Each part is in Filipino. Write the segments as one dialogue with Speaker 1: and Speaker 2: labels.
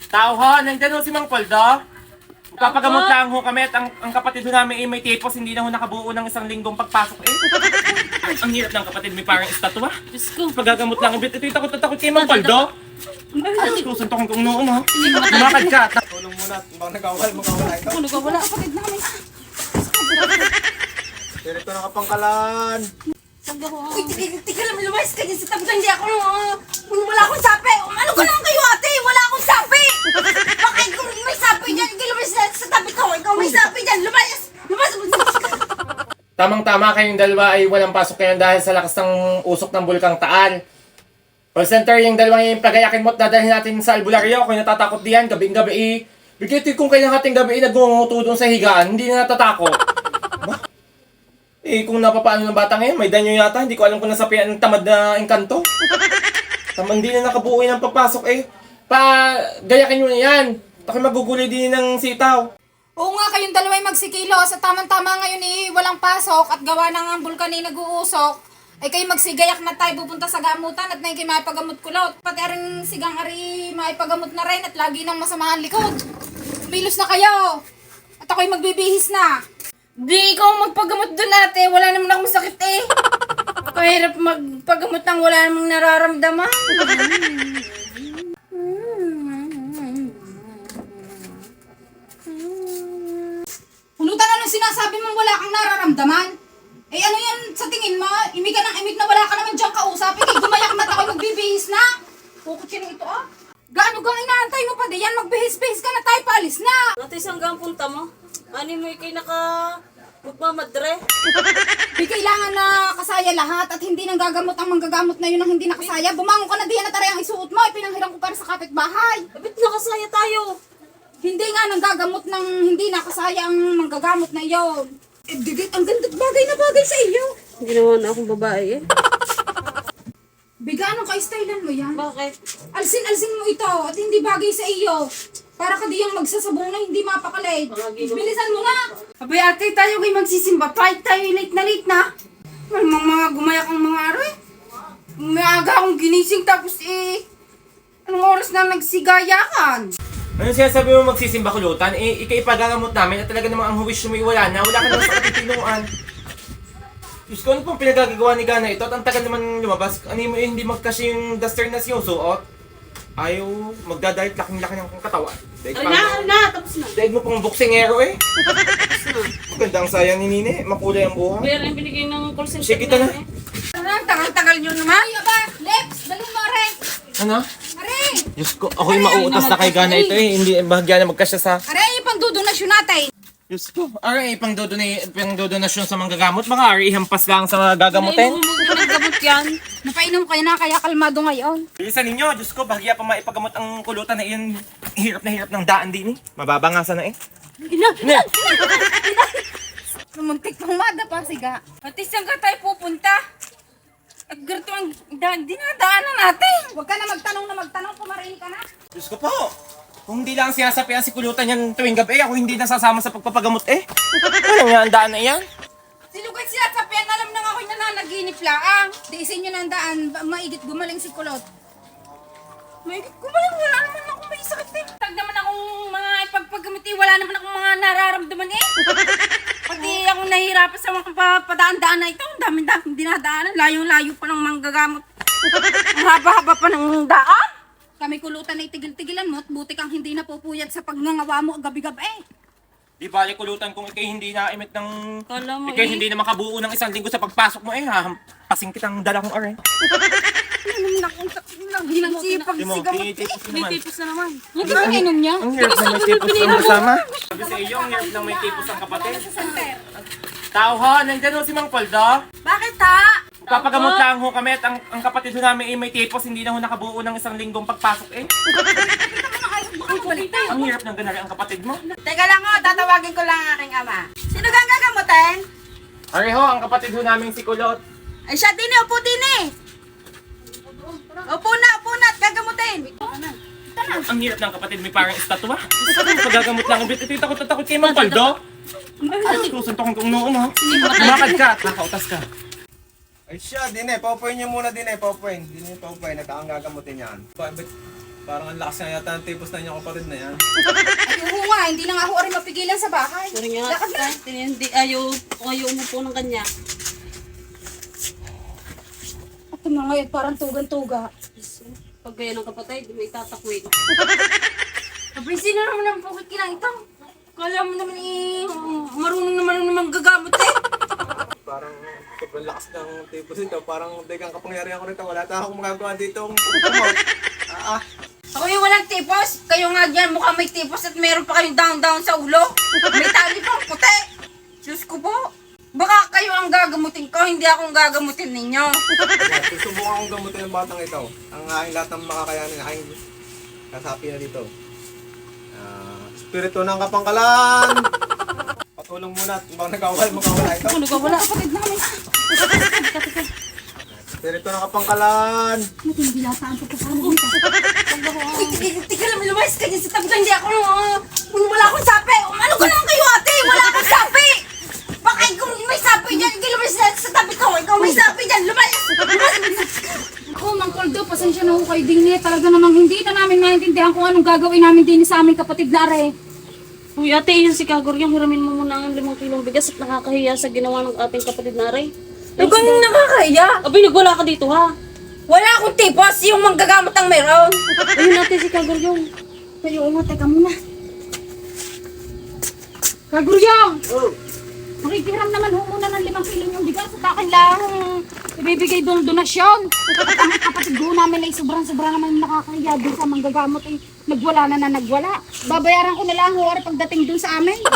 Speaker 1: Tao ho, nandiyan ho si Mang Poldo. Magpapagamot lang ho kami at ang kapatid ho namin ay may tipos, hindi na ho nakabuo ng isang linggong pagpasok eh. Ang hirap ng kapatid, may parang estatwa.
Speaker 2: Diyos ko.
Speaker 1: Pagagamot lang, ito yung takot na takot kay Mang Poldo. Ay, susuntokin kong noon ha. Lumakad ka.
Speaker 3: Tulong muna, baka magkawala ito.
Speaker 2: Ano ka? Wala kapatid namin.
Speaker 3: Direkto ng kapangkalan.
Speaker 2: Saan ka ho?
Speaker 4: Uy, tika lang, lumayas ka dyan sa tabi. Hindi ako, wala akong sapi. Ano ka lang kayo, ate? Wala akong sapi. Bakit kung may sapi dyan, hindi lumayas sa tabi ko. Ikaw may sapi dyan, lumayas. Lumayas.
Speaker 1: Tamang-tama kayong dalawa ay walang pasok ngayon dahil sa lakas ng usok ng Bulkang Taal. Call center, yung dalawang yung pagayakin mo at dadalhin natin sa albularyo. Kung natatakot diyan, gabing-gabi bigay kung kayo ng hating gabi nagunguto doon sa higaan, hindi na natatakot. Ba? Kung napapaano ng bata ngayon, may danyo yata. Hindi ko alam kung nasapian ng tamad na engkanto. Hindi na nakabuo ng pagpasok gayakin nyo na yan. Taki magugulay din ng sitaw.
Speaker 5: Oo nga, kayong dalawa'y magsikilos at tamang-tama ngayon walang pasok at gawa ng bulkan nag-uusok. Ay kayo magsigayak na tayo pupunta sa gamutan at na kayo maipagamot kulot. Pati rin sigang ari maipagamot na rin at lagi ng masamahan likod. Pilos na kayo. At ako'y magbibihis na.
Speaker 4: Di ikaw magpagamot doon, ate. Wala naman akong sakit eh. Kahirap magpagamot nang wala namang nararamdaman.
Speaker 5: Pulutan na nung sinasabi mong wala kang nararamdaman. Ano yan sa tingin mo? Imik ka ng imik na wala ka naman diyang kausapin. Gumayak na ako'y magbibihis na. Pukot siya ito Gaano kang inaantay mo pa diyan? Magbihis-bihis ka na tayo, paalis na.
Speaker 2: Ate, saan ka ang punta mo? Ano mo ikay magmamadre?
Speaker 5: Di kailangan na kasaya lahat at hindi nang gagamot ang manggagamot na yun ang hindi nakasaya. Bumangon ka na diyan at aray ang isuot mo. Pinanghiram ko para sa kapitbahay.
Speaker 2: Ba't nakasaya tayo?
Speaker 5: Hindi nga nang gagamot ng hindi nakasaya ang manggagamot na yon. Digit, ang ganda bagay na bagay sa iyo.
Speaker 2: Hindi naman akong babae eh.
Speaker 5: Biga, anong ka-stylean mo yan?
Speaker 2: Bakit?
Speaker 5: Alsin-alsin mo ito at hindi bagay sa iyo. Para ka diyang magsasabong na hindi mapakalit. Bilisan mo nga.
Speaker 4: Abay, ate, tayo kayo magsisimba. Kahit tayo late na. Malamang mga gumayak ang mga aray. Umaga akong ginising tapos anong oras na nagsigayakan?
Speaker 1: Ano sinasabi mo magsisimba kulutan? Ikay ipagangamot namin at talaga namang ang huwish mo wala na. Wala ka naman sa katitinuan. Diyos ko, ano pong pinagagawa ni Gana ito? At ang tagal naman lumabas. Ano mo hindi magkasya yung duster na sinusuot? Ayaw magdadahit laking-laki ng katawan.
Speaker 2: Tapos na.
Speaker 1: Daig mo pang boksingero eh. Maganda ang sayang ni Nine. Makulay ang buha.
Speaker 2: Pero yung binigay ng call center
Speaker 1: Sige, kita na.
Speaker 4: Ang tagal-tagal nyo naman.
Speaker 5: Ay, aba, Lex, dalhin mo, Are.
Speaker 1: Ano?
Speaker 5: Are,
Speaker 1: Diyos ko, ako'y mauutas na kay Gana ito eh. Hindi bahagya na magkasya sa...
Speaker 5: Are, pang dudonasyon natin.
Speaker 1: Diyos ko, aray, pang dodonasyon sa manggagamot. Baka aray, ihampas lang sa gagamutin.
Speaker 2: Hindi mo naggamot yan.
Speaker 5: Napainom kayo na kaya kalmado ngayon.
Speaker 1: Bilisan ninyo, Diyos ko, bahagya pa maipagamot ang kulutan na iyon. Hirap na hirap ng daan din eh. Mababa nga sana eh. Ina!
Speaker 5: Lumuntik pang madapa, siga.
Speaker 4: Ate, saan ka tayo pupunta? At ganito ang dinadaanan natin.
Speaker 5: Huwag ka na magtanong, pumarin ka na.
Speaker 1: Diyos ko po, kung hindi lang sinasapian si kulutan yan tuwing gabi, ako hindi nasasama sa pagpapagamot eh. Ano nga ang daan na yan?
Speaker 5: Silugay sila sa pen, alam na nga ako'y nananaginip laang. Tiisin nyo ng daan, maigit gumaling si Kulot.
Speaker 4: Maigit gumaling, wala naman akong may sakit eh. Tag naman akong mga ipagpagamiti, wala naman akong mga nararamdaman eh. Pati akong nahihirapan sa mga padaan-daan na ito. Ang dami-dami dinadaanan, layong-layo pa ng manggagamot. Ang haba-haba pa ng daan.
Speaker 5: Kami Kulutan ay tigil-tigilan mo at buti kang hindi napupuyat sa pagngangawa mo gabi-gabi.
Speaker 1: Di bali kulutan kung ikay hindi naimit ng...
Speaker 2: Kala mo
Speaker 1: Ikay hindi na makabuo ng isang linggo sa pagpasok mo eh. Hahampasing kitang dala kong aray.
Speaker 4: Ano naman akong lagi ng sipag
Speaker 1: Di mo,
Speaker 4: sigaw.
Speaker 1: tinitipos
Speaker 2: May
Speaker 1: naman.
Speaker 2: tipos na naman.
Speaker 5: Hindi ba inom niya?
Speaker 1: Ang hirap na may tipos ang kasama. Sabi sa iyo, ang hirap na may tipos ang kapatid. Tao ho, nandiyan ho si Mang Poldo.
Speaker 4: Bakit ha?
Speaker 1: Magpapagamot lang ho kami at ang kapatid ho namin ay may tipos, hindi na ho nakabuo ng isang linggong pagpasok eh. Ang hirap ng ganari ang kapatid mo.
Speaker 4: Teka lang ho, tatawagin ko lang ang aking ama. Sino kang gagamutin?
Speaker 1: Ari ho, ang kapatid ho namin si Kulot.
Speaker 4: Ay siya din eh, upo din eh. Upo na at gagamutin.
Speaker 1: Ang hirap ng kapatid, may parang estatwa. Pagagamot lang, ito yung takot na takot kay Mang Poldo. Ay, susuntokin kong noon ha. Lumakad ka at nakautas ka.
Speaker 3: Ay siya, din eh. Paupuin niyo muna din eh. Paupuin. Din yung paupuin. Nagkakang gagamutin yan. Parang ang lakas nga yata ng tipos na inyong kapatid na yan.
Speaker 5: Ay, oo nga, hindi na nga ako rin mapigilan sa bahay.
Speaker 2: Sorry nga.
Speaker 5: Lakad na.
Speaker 2: Hindi, ayaw umupo ng kanya.
Speaker 5: At yung mga yun, parang tugan-tuga.
Speaker 2: Pag gaya ng kapatid, may tatakwin.
Speaker 4: Kaprinsin na naman ang pukit kinang ito. Kala mo naman marunong naman gagamot eh.
Speaker 3: Parang sobrang lakas ng tipos nito. Parang dagang kapangyarihan ko nito. Wala na akong magagawa dito.
Speaker 4: Ako yung walang tipos. Kayo nga dyan, mukhang may tipos at meron pa kayong down sa ulo. May tali pang puti. Diyos ko po. Baka kayo ang gagamutin ko, hindi akong gagamutin ninyo.
Speaker 3: Susubukan akong gamutin ng batang ito. Ang aking lahat ng makakayanin, aking kasapi na dito. Espiritu ng kapangkalan! Patulong muna at bang magkawala ito.
Speaker 5: Ano ka wala? Kapatid namin.
Speaker 3: Espiritu ng kapangkalan!
Speaker 5: Matindi lataan ko kasama dito.
Speaker 4: Uy, tika lang, lumayas ka dyan sa tabi ko. Hindi ako, wala akong sapi. Ano ka lang kayo ate? Wala akong sapi. Baka ikaw may sapi dyan. Ikaw lumayas sa tabi ko. Ikaw may sapi dyan. Lumayas.
Speaker 5: Ako, Mang Koldo, pasensya na ako kay Dini. Talaga namang hindi na namin maintindihan kung anong gagawin namin din sa aming kapatid na are.
Speaker 2: Uy, ate, yun si Kagor yung hiramin mo muna ang 5 kilong bigas at nakakahiya sa ginawa ng ating kapatid na Aray.
Speaker 4: Ikaw nang nakakaya.
Speaker 2: Abay, nagwala ka dito ha.
Speaker 4: Wala akong tipos. Yung manggagamot ang meron.
Speaker 2: Ayun ate, si Kagor yung.
Speaker 5: Pero nga, teka muna. Kaguryong! Makikiram naman ho muna ng 5 kilo yung bigas at akin lang ibibigay doon donasyon. At ang kapatid ko namin ay sobrang-sobra naman nakakahiya doon sa manggagamot ay nagwala na nagwala. Babayaran ko na lang ho pagdating doon sa amin.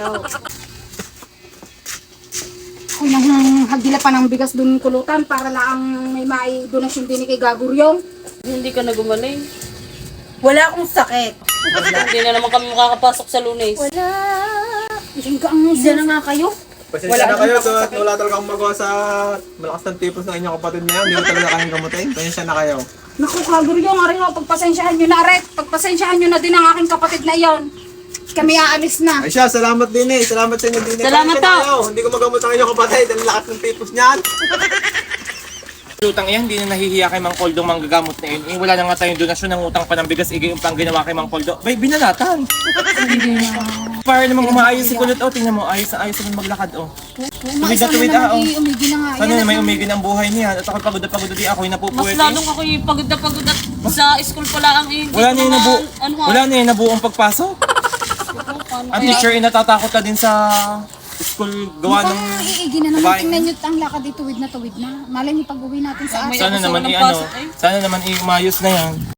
Speaker 5: Ako nang hagdila pa ng bigas doon kulutan para lang may mai donasyon din kay Gaguryong.
Speaker 2: Hindi ka na gumaling.
Speaker 4: Wala akong sakit.
Speaker 2: Hindi na naman kami makakapasok sa Lunes.
Speaker 5: Wala. Isang ang isa na nga kayo.
Speaker 3: Pasensya na kayo, so wala talaga akong magawa sa malakas ng tipos ng inyong kapatid na yan. Hindi ko talaga kayong gamutin. Pasensya na kayo.
Speaker 5: Naku, Kaguryong, arin ho, pagpasensyahan nyo na, Aret. Pagpasensyahan nyo na din ang aking kapatid na iyon. Kami aalis na.
Speaker 3: Ay siya, salamat din eh. Salamat sa inyo din eh.
Speaker 2: Salamat
Speaker 3: Pasensya na
Speaker 2: to.
Speaker 3: kayo. Hindi ko magamot ang inyong kapatid. Ang lakas ng tipos niyan.
Speaker 1: Utang yan, hindi na nahihiya kay Mang Koldo manggagamot na yun. Eh, wala na nga tayong donasyon ng utang pa ng bigas, yung pang ginawa kay Mang Koldo. Bay, binalatan! Para namang umaayos si Kulot, oh, tingnan mo, ayos na maglakad, oh. Tuwid na tuwid, oh.
Speaker 5: Umigi na nga.
Speaker 1: Sana na may umigin ang buhay niya. At ako pagod na pagod di ako'y
Speaker 2: Mas
Speaker 1: napupuwet.
Speaker 2: lalong ako yung pagod at sa school pala ang hindi
Speaker 1: Wala na yung
Speaker 2: ano,
Speaker 1: wala na yung nabuong pagpasok. Ang teacher ay natatakot na din sa school gawa ng
Speaker 5: Mukhang iigi na naman.
Speaker 1: babaeng-
Speaker 5: Tingnan nyo ang lakad dito, tuwid na. Malay niyo pag uwi natin sa
Speaker 2: May
Speaker 1: sana
Speaker 2: abuso
Speaker 1: naman
Speaker 2: ng
Speaker 1: i-ano,
Speaker 2: pasok, eh.
Speaker 1: sana naman i-umayos na yan.